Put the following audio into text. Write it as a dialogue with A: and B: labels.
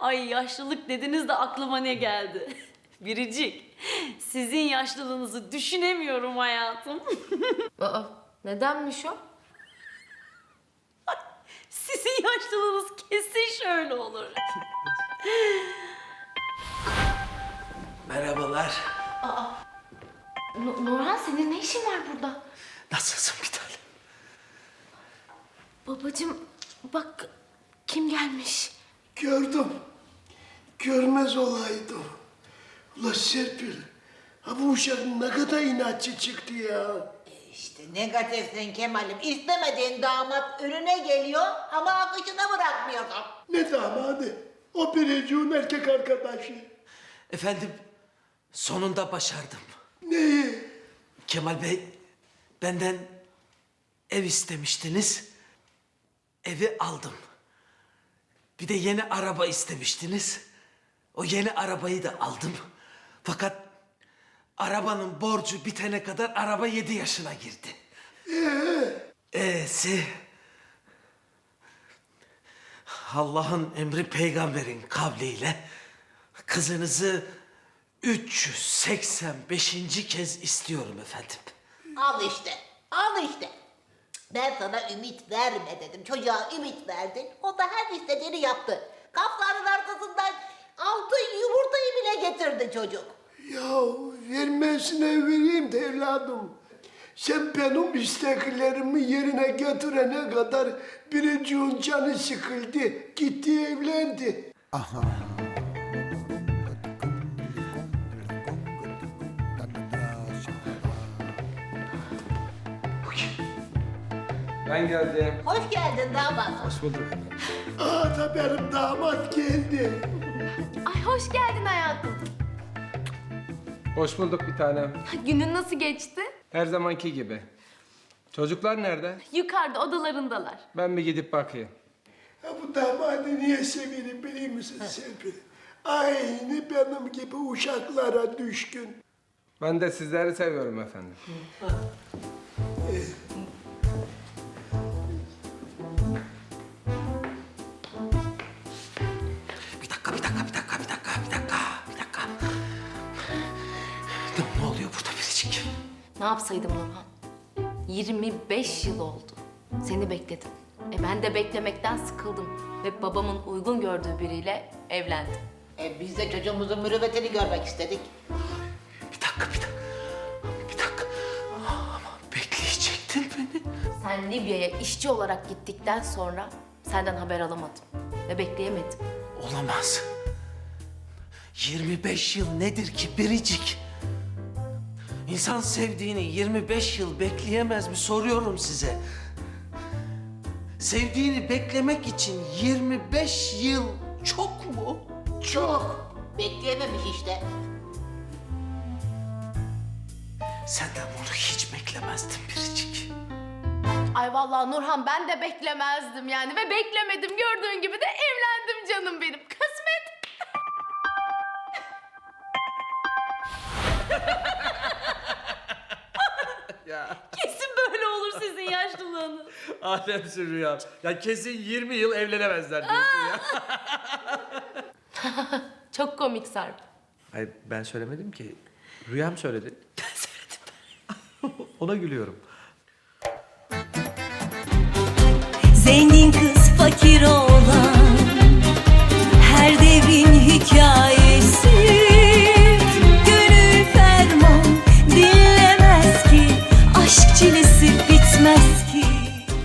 A: Ay yaşlılık dediniz de aklıma ne geldi? Biricik, sizin yaşlılığınızı düşünemiyorum hayatım.
B: Aa, nedenmiş o?
A: Sizin yaşlılığınız kesin şöyle olur.
C: Merhabalar.
B: Nurhan senin ne işin var burada?
C: Nasılsın bir tanem?
B: Babacığım bak kim gelmiş?
D: Gördüm. Görmez olaydım. Ula Serpil, ha bu uşak ne kadar inatçı çıktı ya.
E: İşte negatifsin Kemal'im. İstemediğin damat önüne geliyor ama akışına bırakmıyorsun.
D: Ne damadı? O biriciğin erkek arkadaşı.
C: Efendim, sonunda başardım.
D: Neyi?
C: Kemal Bey, benden ev istemiştiniz. Evi aldım. Bir de yeni araba istemiştiniz. O yeni arabayı da aldım. Fakat arabanın borcu bitene kadar araba 7 yaşına girdi. E'si Allah'ın emri peygamberin kavliyle kızınızı 385. kez istiyorum efendim.
E: Al işte, al işte. Ben sana ümit verme dedim. Çocuğa ümit verdin. O da her istediğini yaptı. Kafların arkasından altın yumurtayı bile getirdi çocuk.
D: Ya vermesine vereyim de evladım. Sen benim isteklerimi yerine götürene kadar biriciğin canı sıkıldı. Gitti evlendi.
F: Ben geldim.
E: Hoş geldin damat.
F: Hoş bulduk.
D: Aa da benim damat geldi.
B: Ay hoş geldin hayatım.
F: Hoş bulduk bir tanem.
B: Günün nasıl geçti?
F: Her zamanki gibi. Çocuklar nerede?
B: Yukarıda odalarındalar.
F: Ben bir gidip bakayım.
D: Ha bu damadı niye severim biliyor musun Serpil? Aynı benim gibi uşaklara düşkün.
F: Ben de sizleri seviyorum efendim.
C: Bir dakika. Ne oluyor burada biricik?
B: Ne yapsaydım Nurhan? 25 yıl oldu. Seni bekledim. Ben de beklemekten sıkıldım. Ve babamın uygun gördüğü biriyle evlendim.
E: Biz de çocuğumuzun mürüvvetini görmek istedik.
C: Bir dakika. Ama bekleyecektin beni.
B: Sen Libya'ya işçi olarak gittikten sonra senden haber alamadım. Ve bekleyemedim.
C: Olamaz. 25 yıl nedir ki biricik? İnsan sevdiğini 25 yıl bekleyemez mi soruyorum size. Sevdiğini beklemek için 25 yıl çok mu?
E: Çok. Bekleyememiş işte.
C: Senden bunu hiç beklemezdim biricik.
B: Ay vallahi Nurhan ben de beklemezdim yani ve beklemedim. Gördüğün gibi de evlendim canım benim. Kısmet.
A: Kesin böyle olur sizin yaşlılığınız.
G: Alemsin Rüya. Ya kesin 20 yıl evlenemezler diyorsun ya.
B: Çok komik Sarp.
G: Hayır ben söylemedim ki. Rüyam söyledi. Ben söyledim. Ona gülüyorum.
H: Zengin kız fakir oğlan